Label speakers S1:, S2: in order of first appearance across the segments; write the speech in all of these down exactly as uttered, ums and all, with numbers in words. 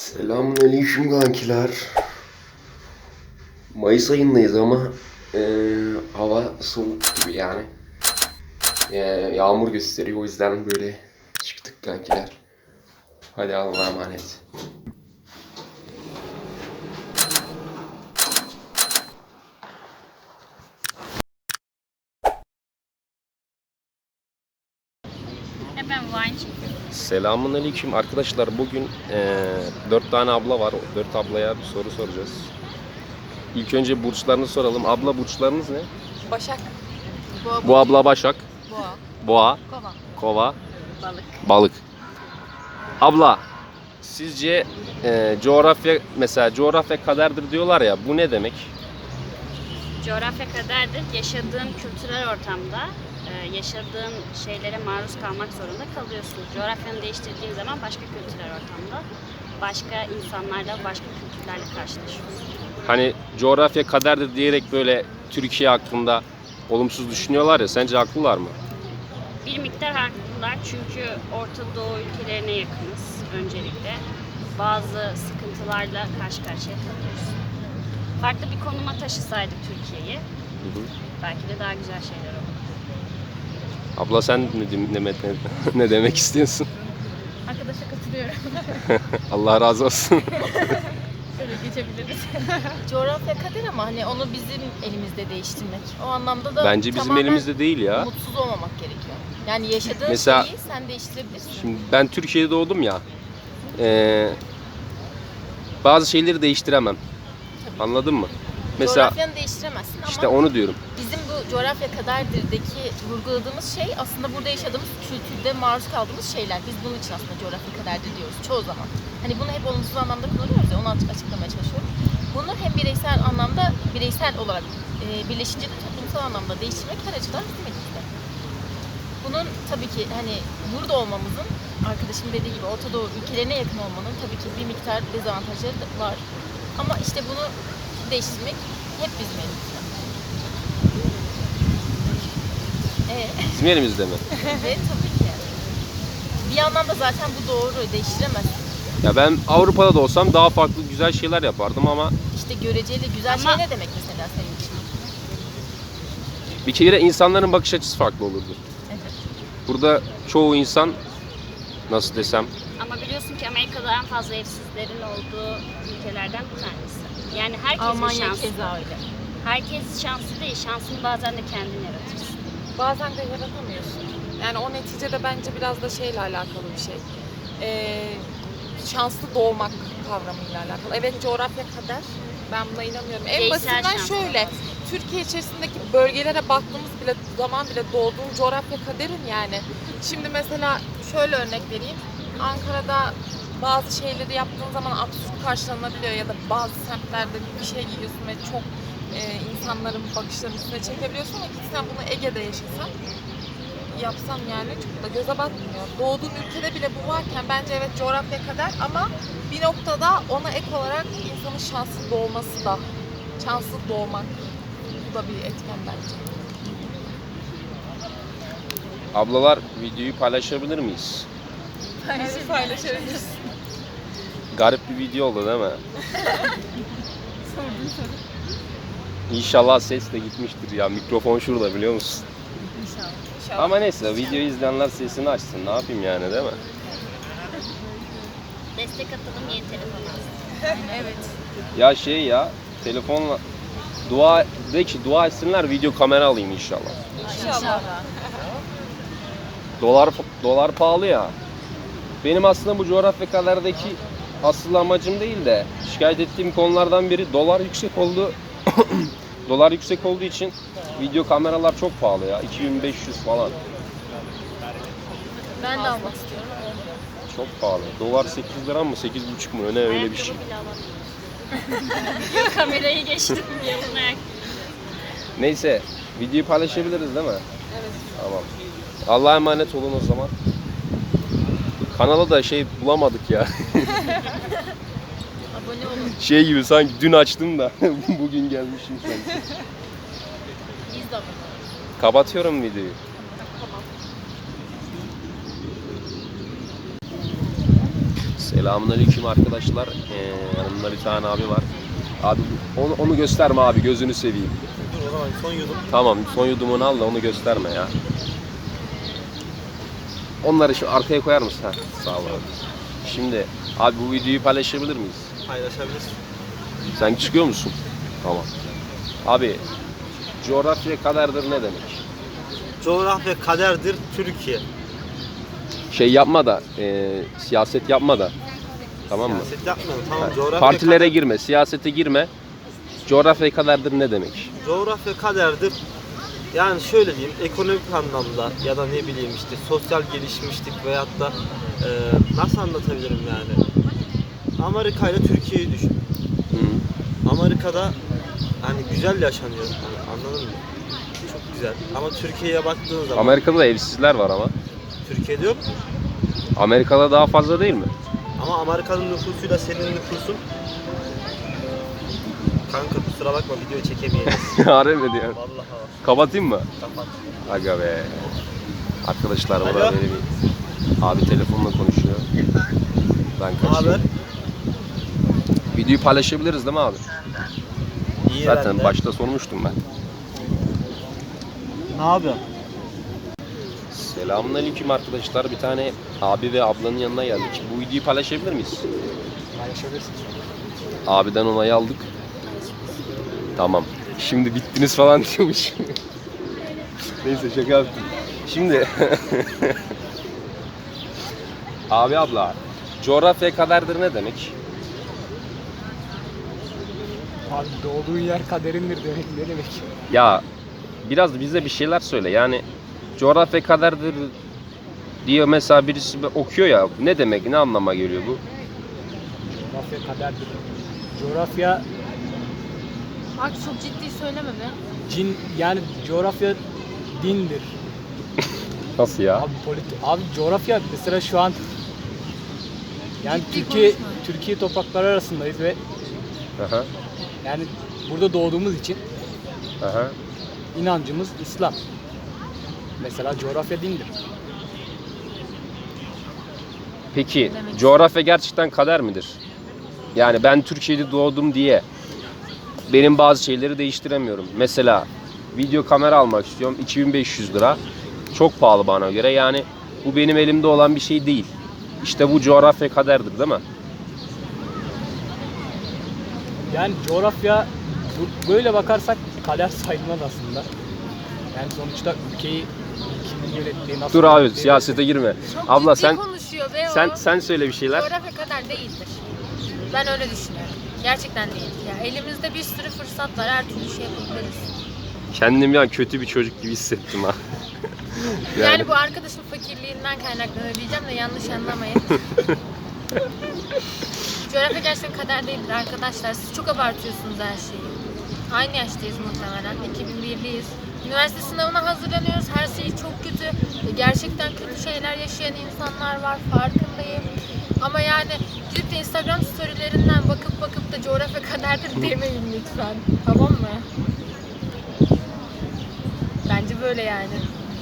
S1: Selamünaleyküm kankiler. Mayıs ayındayız ama e, hava soğuk gibi yani. E, yağmur gösteriyor, o yüzden böyle çıktık kankiler. Hadi Allah'a emanet.
S2: Hemen wine çekiyorum.
S1: Selamünaleyküm arkadaşlar. Bugün e, dört tane abla var. Dört ablaya bir soru soracağız. İlk önce burçlarını soralım. Abla burçlarınız ne?
S3: Başak. Boğa.
S1: Bu abla Başak.
S3: Boğa.
S1: Boğa.
S3: Kova.
S1: Kova.
S2: Balık.
S1: Balık. Abla, sizce e, coğrafya, mesela coğrafya kaderdir diyorlar ya, bu ne demek?
S2: Coğrafya kaderdir. Yaşadığın kültürel ortamda e, yaşadığın şeylere maruz kalmak zorunda kalıyorsun. Coğrafyanı değiştirdiğin zaman başka kültürel ortamda başka insanlarla, başka kültürlerle karşılaşıyorsun.
S1: Hani coğrafya kaderdir diyerek böyle Türkiye hakkında olumsuz düşünüyorlar ya, sence haklılar mı?
S2: Bir miktar haklılar çünkü Orta Doğu ülkelerine yakınız öncelikle. Bazı sıkıntılarla karşı karşıya kalıyoruz. Farklı bir konuma taşısaydık Türkiye'yi,
S1: Hı hı.
S2: belki de daha güzel şeyler olur.
S1: Abla sen ne, ne, ne, ne demek istiyorsun?
S3: Arkadaşa katılıyorum.
S1: Allah razı olsun.
S3: Şöyle geçebiliriz. Coğrafya kader ama hani onu bizim elimizde değiştirmek. O anlamda da
S1: Bence bizim
S3: tamamen
S1: elimizde değil ya.
S3: mutsuz olmamak gerekiyor. Yani yaşadığın
S1: Mesela-
S3: şeyi sen değiştirebilirsin.
S1: Şimdi ben Türkiye'de doğdum ya. Ee, bazı şeyleri değiştiremem.
S3: Tabii.
S1: Anladın mı? Mesela
S3: Coğrafyanı değiştiremezsin
S1: işte
S3: ama
S1: onu diyorum.
S3: bizim bu coğrafya kaderdirdeki vurguladığımız şey aslında burada yaşadığımız kültürde maruz kaldığımız şeyler. Biz bunun için aslında coğrafya kaderdir diyoruz çoğu zaman. Hani bunu hep olumsuz anlamda kullanıyoruz ya, onu açık açıklamaya çalışıyorum. Bunu hem bireysel anlamda, bireysel olarak e, birleşince de toplumsal anlamda değiştirmek her açıdan bizim elimizde. Bunun tabii ki hani burada olmamızın, arkadaşım dediği gibi Orta Doğu ülkelerine yakın olmanın tabii ki bir miktar dezavantajları da var. Ama işte bunu değiştirmek hep bizim elimizde. Evet.
S1: Bizim elimizde mi?
S3: Evet tabii ki. Bir yandan da zaten bu doğru, değiştiremezsin.
S1: Ya ben Avrupa'da da olsam daha farklı güzel şeyler yapardım ama
S3: İşte göreceli güzel
S2: Ama-
S3: şey ne demek mesela senin için?
S1: bir kere insanların bakış açısı farklı olurdu.
S3: Evet.
S1: Burada çoğu insan, nasıl desem,
S2: Ama biliyorsun ki Amerika'da en fazla evsizlerin olduğu ülkelerden bir tanesi. Yani herkesin
S3: Almanya
S2: şansı.
S3: keza öyle.
S2: Herkes şanslı değil, şansını bazen de kendin yaratırsın.
S4: Bazen de yaratamıyorsun. Yani o neticede bence biraz da şeyle alakalı bir şey. Ee, şanslı doğmak kavramıyla alakalı. Evet, coğrafya kader. Ben buna inanıyorum. En
S2: Bireysel
S4: basitinden
S2: şans
S4: şöyle.
S2: lazım.
S4: Türkiye içerisindeki bölgelere baktığımız bile zaman bile doğduğun coğrafya kaderin yani. Şimdi mesela şöyle örnek vereyim. Ankara'da bazı şeyleri yaptığın zaman absürt karşılanabiliyor ya da bazı semtlerde bir şey giyiyorsun ve çok e, insanların bakışlarının üstüne çekebiliyorsun ama gitsen bunu Ege'de yaşasan yapsan yani çok da göze batmıyor. Doğduğun ülkede bile bu varken bence evet coğrafya kader ama bir noktada ona ek olarak insanın şanslı doğması da, şanslı doğmak bu da bir etken bence.
S1: ablalar videoyu paylaşabilir miyiz?
S4: Evet, paylaşabiliriz.
S1: Garip bir video oldu değil mi? İnşallah ses de gitmiştir ya. Mikrofon şurada, biliyor musun?
S4: İnşallah.
S1: Ama neyse, videoyu izleyenler sesini açsın. Ne yapayım yani, değil mi?
S2: Destek atalım, yeni telefon alsın.
S3: Evet.
S1: Ya şey ya, telefonla dua de ki dua etsinler, video kamera alayım inşallah.
S3: İnşallah.
S1: Dolar dolar pahalı ya. Benim aslında bu coğrafya kaderdeki asıl amacım değil de şikayet ettiğim konulardan biri dolar yüksek oldu. Dolar yüksek olduğu için video kameralar çok pahalı ya. iki bin beş yüz falan.
S3: Ben de almak istiyorum.
S1: Çok pahalı. Dolar sekiz lira mı, sekiz buçuk mu, ne öyle bir şey.
S2: Ayakkabı bile alamıyorum. Yok, kamerayı geçtim. Yalın ayak.
S1: Neyse, videoyu paylaşabiliriz değil mi?
S4: Evet.
S1: Tamam. Allah'a emanet olun o zaman. Kanala da şey bulamadık ya.
S3: Abone olun.
S1: Şey gibi sanki dün açtım da bugün gelmişim sanki.
S3: Biz de abone olun.
S1: Kapatıyorum videoyu. Selamünaleyküm arkadaşlar. Ee, yanımda bir tane abi var. Abi onu, onu gösterme abi, gözünü seveyim.
S5: Dur o zaman son yudum.
S1: Tamam, son yudumunu al da onu gösterme ya. Onları şu arkaya koyar mısın? Ha, sağ ol abi. Şimdi abi bu videoyu paylaşabilir miyiz?
S5: Paylaşabilirsin.
S1: Sen çıkıyor musun? Tamam. Abi coğrafya kaderdir ne demek?
S5: Coğrafya kaderdir Türkiye.
S1: Şey yapma da, e, siyaset yapma da. Tamam mı?
S5: Siyaset yapmıyorum. Tamam
S1: Ha,
S5: coğrafya
S1: Partilere
S5: kader-
S1: girme, siyasete girme. Coğrafya kaderdir ne demek?
S5: Coğrafya kaderdir. Yani şöyle diyeyim, ekonomik anlamda ya da ne bileyim işte sosyal gelişmişlik veyahut da e, nasıl anlatabilirim yani? Amerika ile Türkiye'yi düşün.
S1: Hı.
S5: Amerika'da hani güzel yaşanıyor. Hani anladın mı? Çok güzel. Ama Türkiye'ye baktığın zaman
S1: Amerika'da da evsizler var ama.
S5: Türkiye'de yok mu?
S1: Amerika'da daha fazla değil mi?
S5: Ama Amerika'nın nüfusuyla senin nüfusun kanka kusura bakma video çekemeyiz.
S1: Harbi diyor.
S5: Vallahi bak.
S1: Kapatayım mı?
S5: Kapat.
S1: Aga be. Arkadaşlar
S5: Alo.
S1: burada böyle bir abi telefonla konuşuyor. Ben
S5: Ne haber?
S1: kaçayım. Videoyu paylaşabiliriz değil mi abi?
S5: İyi
S1: Zaten
S5: herhalde.
S1: başta sormuştum ben.
S5: Ne yapıyorsun?
S1: Selamünaleyküm arkadaşlar. Bir tane abi ve ablanın yanına geldik. Bu videoyu paylaşabilir miyiz?
S5: Paylaşabilirsin.
S1: Abiden onayı aldık. Tamam. Şimdi bittiniz falan diyormuş. Neyse şaka yaptım. Şimdi abi abla, coğrafya kaderdir ne demek?
S6: Abi doğduğun yer kaderindir demek ne demek?
S1: Ya biraz da bize bir şeyler söyle. Yani coğrafya kaderdir diye mesela birisi okuyor ya. Ne demek? Ne anlama geliyor bu?
S6: Coğrafya kaderdir. Coğrafya
S3: Bak çok ciddi söyleme be.
S6: cin yani coğrafya dindir.
S1: Nasıl ya?
S6: Abi politik abi coğrafya mesela şu an yani
S3: Ciddi
S6: Türkiye
S3: konuşma.
S6: Türkiye toprakları arasındayız ve
S1: Aha,
S6: yani burada doğduğumuz için
S1: aha.
S6: inancımız İslam. Mesela coğrafya dindir.
S1: Peki
S3: Demek
S1: coğrafya gerçekten kader midir? Yani ben Türkiye'de doğdum diye benim bazı şeyleri değiştiremiyorum. Mesela video kamera almak istiyorum, iki bin beş yüz lira. Çok pahalı bana göre. Yani bu benim elimde olan bir şey değil. İşte bu coğrafya kaderdir değil mi?
S6: Yani coğrafya bu- böyle bakarsak kader sayılmaz aslında. Yani sonuçta ülkeyi kimin yönettiği nasıl
S1: Dur abi
S6: yönettiği-
S1: siyasete girme.
S3: Çok
S1: Abla
S3: ciddi
S1: sen
S3: konuşuyor be o.
S1: sen sen söyle bir şeyler.
S3: Coğrafya kadar değildir. Ben öyle düşünüyorum. Gerçekten değil. Ya elimizde bir sürü fırsat var. Her türlü şey yapabiliriz.
S1: Kendim ya kötü bir çocuk gibi hissettim ha.
S3: Yani, bu arkadaşın fakirliğinden kaynaklanıyor diyeceğim de yanlış anlamayın. Coğrafya gerçekten kader değildir arkadaşlar. Siz çok abartıyorsunuz her şeyi. Aynı yaştayız muhtemelen. iki bin birliyiz. Üniversite sınavına hazırlanıyoruz. Her şey çok kötü. Gerçekten kötü şeyler yaşayan insanlar var. Farkındayım. Ama yani gidip de Instagram storylerinden bakıp bakıp da coğrafya kaderdir demeyin lütfen. Tamam mı? Bence böyle yani.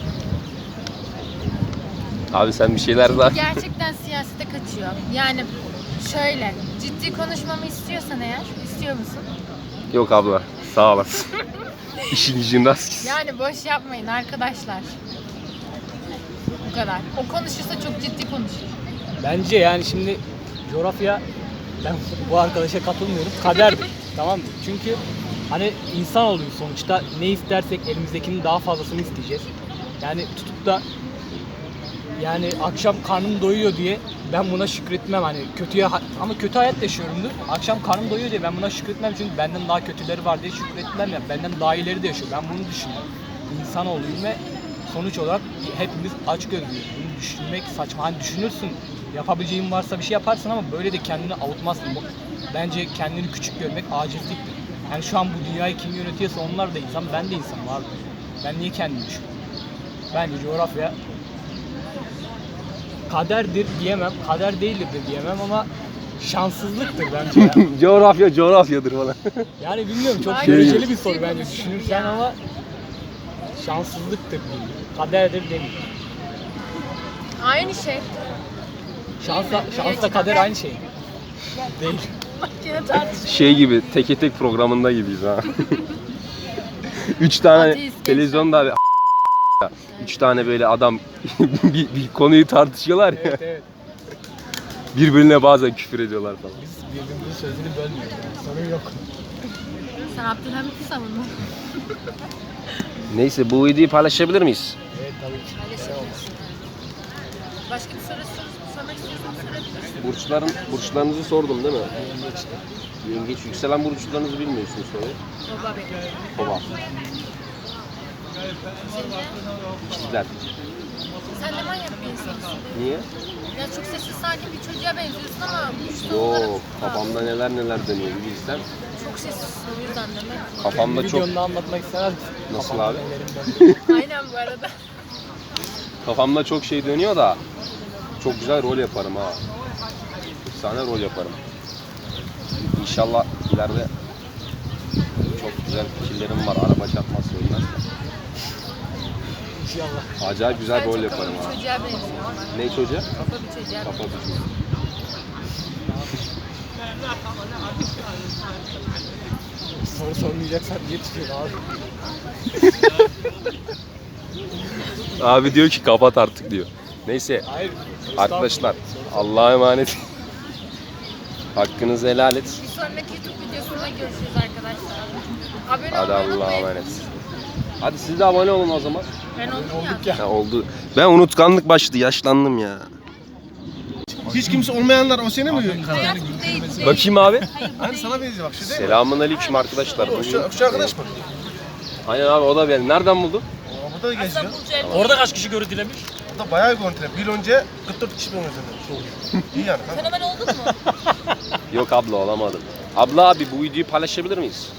S1: Abi sen bir şeyler daha.
S3: Gerçekten siyasete kaçıyor. Yani şöyle, ciddi konuşmamı istiyorsan eğer, istiyor musun?
S1: Yok abla sağ olasın. İşin gücün rast gitsin.
S3: Yani boş yapmayın arkadaşlar. Bu kadar. O konuşursa çok ciddi konuşur.
S6: Bence yani şimdi coğrafya ben bu arkadaşa katılmıyorum. Kaderdir. Tamam mı? Çünkü hani insan oluyoruz sonuçta. Ne istersek elimizdekinin daha fazlasını isteyeceğiz. Yani tutup da yani akşam karnım doyuyor diye ben buna şükretmem hani kötüye ama kötü hayat yaşıyorumdur. Akşam karnım doyuyor diye ben buna şükretmem çünkü benden daha kötüleri var diye şükretmem ya. Benden daha iyileri de yaşıyor. Ben bunu düşünüyorum. İnsan olayım ve sonuç olarak hepimiz aç gözlüyüz. Bunu düşünmek saçma. Hani düşünürsün, yapabileceğin varsa bir şey yaparsın ama böyle de kendini avutmazsın. Bu- Bence kendini küçük görmek acizliktir. Yani şu an bu dünyayı kim yönetiyorsa onlar da insan, ben de insanım abi. Ben niye kendimi düşünüyorum? Bence coğrafya kaderdir diyemem, kader değildir de diyemem ama şanssızlıktır bence ya.
S1: Coğrafya coğrafyadır falan.
S6: Yani bilmiyorum çok
S3: Ay,
S6: göreceli bir
S3: ciddi
S6: soru bence
S3: konuşuyor
S6: düşünürsen
S3: ya.
S6: ama şanssızlıktır diyeyim. Kaderdir demeyeyim.
S3: Aynı şey.
S6: Şansla, şansla kader aynı şey. Değil.
S3: Yine tartışma.
S1: Şey gibi, teke tek programında gibiyiz ha. Üç tane
S3: Ateist,
S1: televizyonda abi üç tane böyle adam bir, bir konuyu tartışıyorlar ya.
S6: Evet evet.
S1: Birbirine bazen küfür ediyorlar falan.
S6: Biz birbirimizin sözünü bölmüyoruz yani. Sorun yok.
S3: Sen Abdülhamit'i savundun.
S1: Neyse bu videoyu paylaşabilir miyiz?
S6: Evet tabii ki.
S3: Başka bir soru sor- sormak istiyorsan sorabilirsin.
S1: Burçların burçlarınızı sordum değil mi? Yengeç yükselen burçlarınızı bilmiyorsunuz soruyu.
S3: Baba benim.
S1: Kova. İkizler.
S3: Sen de manyak bir insansın.
S1: Niye?
S3: Ya çok sessiz sakin bir çocuğa benziyorsun ama güçlü olarak
S1: Yok, kafamda neler neler dönüyor bir bilsen.
S3: çok sessizsin o yüzden demek.
S1: Kafamda çok...
S6: Videonda anlatmak istemez misin?
S1: Nasıl
S6: Kafamda
S1: abi?
S6: nelerim döndü.
S3: Aynen bu arada.
S1: Kafamda çok şey dönüyor da çok güzel rol yaparım ha. Efsane rol yaparım. İnşallah ileride çok güzel fikirlerim var. Araba çarpmazsa ölmezse.
S6: İnşallah.
S1: Acayip güzel
S3: Sen
S1: rol
S3: çok
S1: yaparım
S3: kafa
S1: ha.
S3: bir çocuğa benziyorsun.
S1: Ne çocuğa?
S3: Kafa bir çocuğa
S1: Kafa
S3: benziyorsun.
S6: Soru sormayacaksan niye tutuyorsun abi?
S1: Abi diyor ki kapat artık diyor. Neyse
S6: Hayır.
S1: arkadaşlar Allah'a emanet. Hakkınızı helal et.
S3: Bir sonraki YouTube videosunda görüşürüz arkadaşlar. Abone
S1: Hadi
S3: olmayı
S1: Allah'a
S3: unutmayın.
S1: emanet. Hadi siz de abone olun o zaman.
S3: Ben oldum ya.
S6: Olduk ya.
S1: Ha, oldu. Ben unutkanlık başladı. Yaşlandım ya.
S7: Hiç kimse olmayanlar o seni mi?
S3: Hayat bu değil, bu değil.
S1: Bakayım abi.
S7: Hani sana benziyor bak şu değil mi?
S1: Selamun aleyküm arkadaşlar.
S7: O Şu, şu arkadaş mı?
S1: Aynen abi o da benim. Nereden buldun?
S7: O burada da geziyor.
S3: Aslında Burcu Elbey.
S6: Orada kaç kişi görüntülemiş?
S7: Burada bayağı bir görüntüler. Bir yıl önce kırk dört kişi benim üzerinde. İyi yani. kanka.
S3: Fenomen oldun mu?
S1: Yok abla olamadım. Abla abi bu videoyu paylaşabilir miyiz?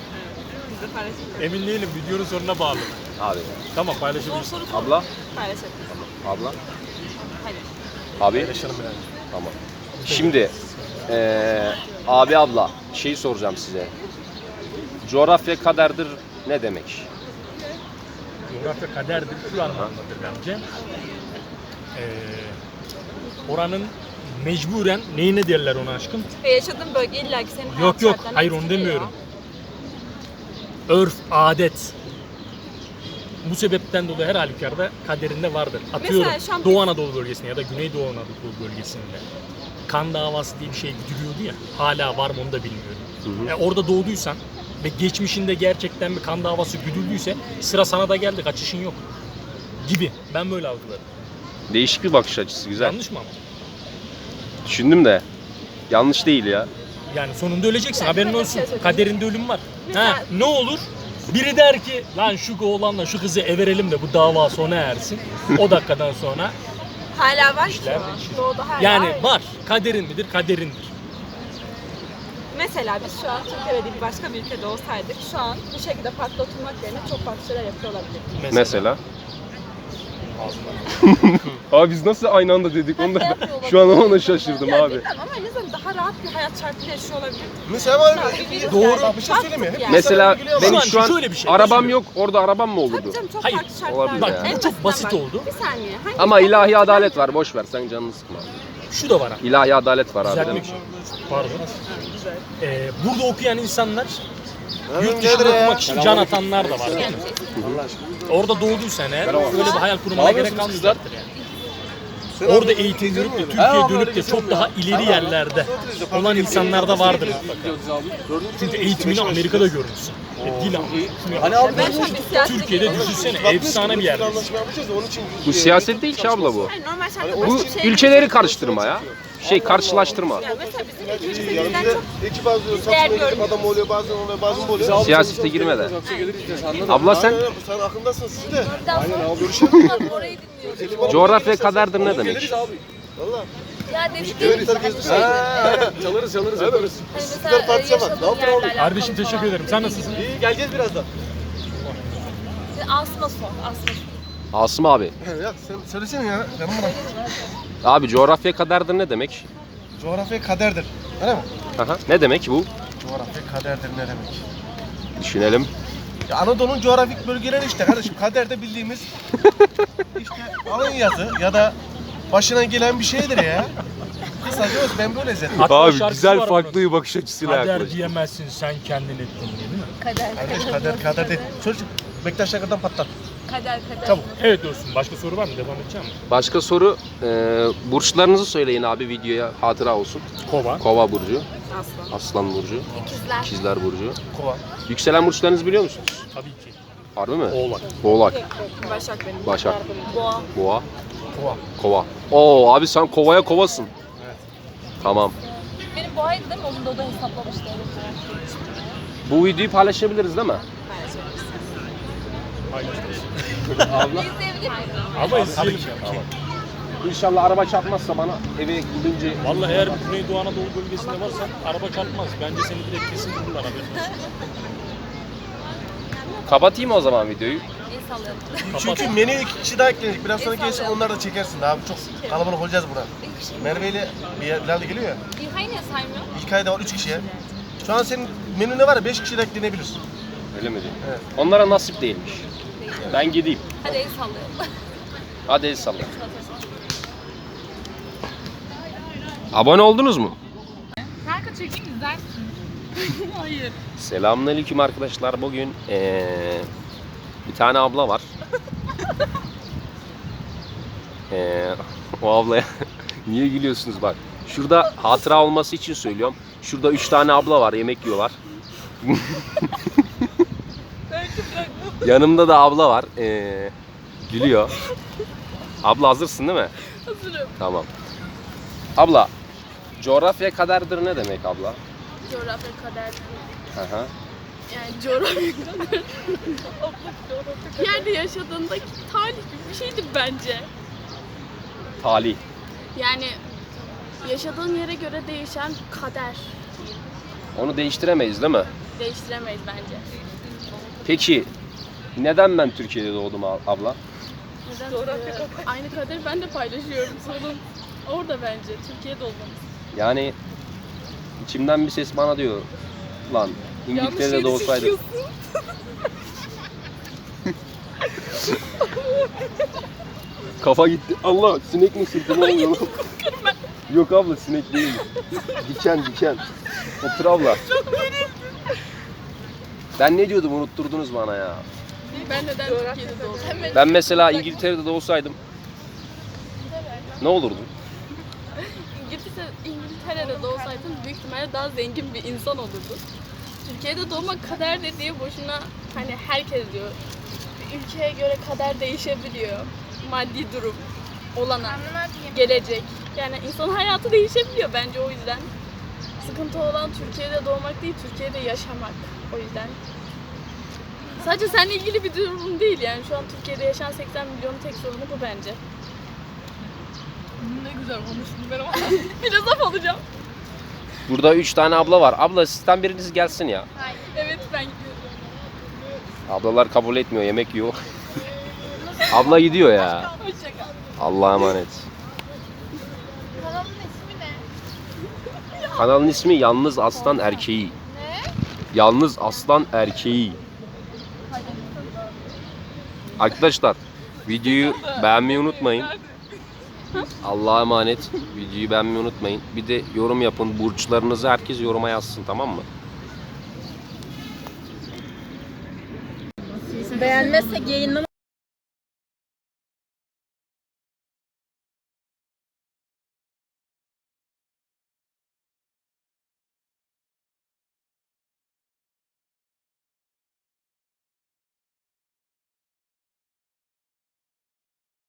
S6: Emin değilim. Videonun sonuna bağlı.
S1: Abi.
S6: Tamam paylaşabilirsin.
S1: Abla.
S2: Paylaşabiliriz.
S1: Abla.
S2: Hadi.
S1: Abi.
S6: Paylaşalım yani.
S1: Tamam. Şimdi eee abi abla şey soracağım size. Coğrafya kaderdir ne demek?
S6: Coğrafya kaderdir şu anlamdadır bence. Ee, oranın mecburen neyine derler ona aşkım?
S2: Ve yaşadığın bölge illa ki senin hayat
S6: Yok yok
S2: şartlarını
S6: hayır onu
S2: etkiliyor.
S6: demiyorum. Örf, adet. Bu sebepten dolayı her halükarda kaderinde vardır. Atıyorum
S2: Mesela şu an
S6: Doğu Anadolu bölgesinde ya da Güneydoğu Anadolu bölgesinde kan davası diye bir şey gidiyordu ya. Hala var mı onu da bilmiyorum.
S1: Hı hı.
S6: E, orada doğduysan ve geçmişinde gerçekten bir kan davası güdüldüyse sıra sana da geldi, kaçışın yok gibi. Ben böyle algılarım.
S1: Değişik bir bakış açısı güzel.
S6: Yanlış mı ama?
S1: Düşündüm de yanlış değil ya.
S6: Yani sonunda öleceksin,
S2: Yani
S6: haberin
S2: şöyle bir
S6: olsun.
S2: şey söyleyeyim.
S6: Kaderinde ölüm var.
S2: Mesela-
S6: Ha, ne olur? Biri der ki lan şu oğlanla şu kızı everelim de bu dava sona ersin. O dakikadan sonra
S2: Hala var ki
S6: İşler
S2: o.
S6: değişir.
S2: Doğuda hala
S6: yani
S2: var.
S6: var. Kaderin midir? Kaderindir.
S2: Mesela biz şu an Türkiye'de değil başka bir ülkede olsaydık şu an bu şekilde parkta oturmak yerine çok farklı şeyler yapıyor olabilirdik.
S1: Mesela. Abi biz nasıl aynı anda dedik onu da
S2: Yapıyor
S1: şu an
S2: olabilirdik.
S1: ona şaşırdım
S2: Ya
S1: abi.
S2: bilmem ama en azından daha rahat bir hayat şartıyla yaşıyor olabilirdik.
S7: Mesela var mı?
S1: Doğru.
S7: Bak bir şey söyleyeyim mi?
S2: Baktık
S7: Hep
S2: yani.
S1: Mesela
S7: Mesela
S1: benim
S6: şu
S1: şu
S6: an
S1: an
S6: şöyle bir şey,
S1: arabam
S6: özür
S1: yok orada arabam mı olurdu?
S2: Tabii canım çok
S6: Hayır,
S2: farklı şartlar
S1: olabilir
S2: var.
S1: ya.
S2: En
S6: Bu çok basit
S2: bak,
S6: oldu.
S2: Bir saniye. Hangi
S1: Ama
S2: farklı
S1: ilahi
S2: şartlar
S1: adalet var boş ver sen canını sıkma.
S6: Şu da var abi.
S1: İlahi adalet var abi.
S6: Düzeltmek
S1: demek.
S6: için. Pardon. Ee, burada okuyan insanlar
S7: Abi
S6: yurt
S7: nedir
S6: dışında
S7: ya?
S6: okumak için can atanlar da var değil mi? Orada doğduysan eğer böyle bir hayal kurmana gerek kalmayacaktır yani. Orada eğitim görüp de Türkiye'ye dönüp de çok daha ileri yerlerde olan insanlar da vardır mutlaka. Çünkü eğitimini Amerika'da görmüşsün. E, dil anlıyorsun.
S2: Ben şu an bir siyasete
S6: Türkiye'de
S2: giriyorum.
S6: düşünsene efsane bir yer.
S7: Anlaşma yapacağız da onun için.
S1: Bu siyaset değil ki abla bu.
S2: Yani normal şartlarda
S1: Bu
S2: başka bir şey
S1: ülkeleri karıştırma ya. Şey karşılaştırma.
S2: Yani mesela bizim ülkemizde bizden
S7: Yanımızda
S2: çok
S7: ekip azıyor,
S2: değer
S7: satışma ekip
S2: görmüyoruz.
S7: adam oluyor, bazen oluyor, bazen oluyor.
S1: Siyasete girme de. Abla sen
S7: Aynen, sen aklındasın siz de.
S3: Orayı dinliyoruz.
S1: coğrafya kaderdir ne demek?
S7: Valla.
S3: Ya dedikleri gibi hani şey.
S7: Çalarız çalarız yaparız.
S3: Hani
S7: Süper
S3: mesela e,
S7: partiye bak. Ne
S3: yaşadığın
S7: yaptın
S3: yerle
S7: oğlum?
S3: alakalı
S6: Kardeşim teşekkür ederim. Sen nasılsın?
S7: İyi geleceğiz birazdan.
S3: Asma sor, asma sor.
S1: Asım abi.
S7: Ya sen söylesene ya. Canım bırak.
S1: Abi coğrafya kaderdir ne demek?
S7: Coğrafya kaderdir. Öyle mi?
S1: Aha. Ne demek bu?
S7: Coğrafya kaderdir ne demek?
S1: Düşünelim.
S7: Ya Anadolu'nun coğrafik bölgeleri işte kardeşim. Kaderde bildiğimiz işte Alanya'sı ya da başına gelen bir şeydir ya. Kısaca öz ben böyle izledim.
S6: Hatta
S1: Abi
S6: şarkısı
S1: güzel
S6: var
S1: farklı
S6: bunun.
S1: bir bakış açısıyla
S6: Kader
S1: yaklaştı.
S6: diyemezsin sen kendin ettin diye değil mi?
S3: Kader,
S7: Kardeş kader kader değil. Çocuk Bektaş Şakır'dan patlat.
S3: kader, kader.
S7: Çabuk.
S6: Evet dostum. Başka soru var mı? Devam edeceğim mi?
S1: Başka soru, e, burçlarınızı söyleyin abi videoya hatıra olsun.
S6: Kova.
S1: Kova burcu,
S2: Aslan.
S1: Aslan burcu,
S4: İkizler.
S1: İkizler burcu.
S7: Kova.
S1: Yükselen burçlarınızı biliyor musunuz?
S6: Tabii ki.
S1: Harbi mi?
S6: Oğlak.
S1: Oğlak,
S4: Başak benim.
S1: Başak,
S2: Boğa.
S1: Boğa,
S7: Kova.
S1: Kova. Oo abi sen kovaya kovasın.
S7: Evet.
S1: Tamam.
S3: Benim boğaydı değil mi? Onu da o da hesaplamıştı.
S1: Bu videoyu paylaşabiliriz değil mi? Abla.
S6: Ama izleyelim.
S1: Tamam. İnşallah araba çarpmazsa bana eve gidince.
S6: Vallahi eğer Güneydoğu Anadolu bölgesinde varsan araba çarpmaz. Bence seni direkt kesin bulurlar haberin olsun.
S1: Kapatayım o zaman videoyu.
S3: El sallayalım.
S7: Çünkü menüye iki kişi daha eklenecek. Biraz sonra gelsin onlar da çekersin. Daha çok kalabalık olacağız buna. Merve ile Bilal de geliyor ya.
S3: İlkay niye saymıyor?
S7: İlkay da var üç kişi ya. Şu an senin menüne var ya beş kişi de eklenebilir.
S1: Öyle mi diyeyim?
S7: Evet.
S1: Onlara nasip değilmiş. Ben gideyim.
S3: Hadi el sallayalım.
S1: Hadi el salla. Abone oldunuz mu?
S4: Kanka çekeyim izlersin. Hayır.
S1: Selamünaleyküm arkadaşlar. Bugün eee, bir tane abla var. Eee, o ablaya niye gülüyorsunuz bak. Şurada hatıra olması için söylüyorum. Şurada üç tane abla var, yemek yiyorlar. Yanımda da abla var. Eee, gülüyor. Abla hazırsın değil mi?
S4: Hazırım.
S1: Tamam. Abla, coğrafya kaderdir ne demek abla?
S4: Coğrafya kader.
S1: Hı hı.
S4: Yani coğrafya kader. Bir yerde yaşadığındaki talih gibi bir şeydi bence.
S1: Talih.
S4: Yani yaşadığın yere göre değişen kader.
S1: Onu değiştiremeyiz değil mi?
S4: Değiştiremeyiz bence.
S1: Peki neden ben Türkiye'de doğdum ab- abla?
S4: Neden? Coğrafya aynı kaderi ben de paylaşıyorum. Sorun orada bence. Türkiye'de olmamız.
S1: Yani içimden bir ses bana diyor lan İngiltere'de doğsaydım. Kafa gitti. Allah sinek mi sırtına oluyor lan? Yok abla sinek değil. Diken diken. Otur abla. Ben ne diyordum unutturdunuz bana ya.
S4: Ben neden Türkiye'de doğdum?
S1: Ben mesela İngiltere'de doğsaydım ne olurdu?
S4: İngiltere, İngiltere'de doğsaydın büyük ihtimalle daha zengin bir insan olurdun. Türkiye'de doğmak kader dediği boşuna hani herkes diyor. Bir ülkeye göre kader değişebiliyor. Maddi durum, olanak, gelecek. Yani insanın hayatı değişebiliyor bence o yüzden. Sıkıntı olan Türkiye'de doğmak değil, Türkiye'de yaşamak. O yüzden. Sadece seninle ilgili bir durum değil yani. Şu an Türkiye'de yaşayan seksen milyonun tek sorunu bu bence. Ne güzel konuştun ben ama filozof olacağım.
S1: Burada üç tane abla var. Abla sizden biriniz gelsin ya.
S4: Evet ben gidiyorum.
S1: Ablalar kabul etmiyor, yemek yiyor. Abla gidiyor ya.
S4: Hoşçakal.
S1: Allah'a emanet.
S3: Kanalın ismi ne?
S1: Kanalın ismi Yalnız Aslan Erkeği.
S3: Ne?
S1: Yalnız Aslan Erkeği. Arkadaşlar videoyu beğenmeyi unutmayın. Allah'a emanet. Videoyu beğenmeyi unutmayın. Bir de yorum yapın. Burçlarınızı herkes yoruma yazsın, tamam mı?
S3: Beğenmezsek yayınlamayız.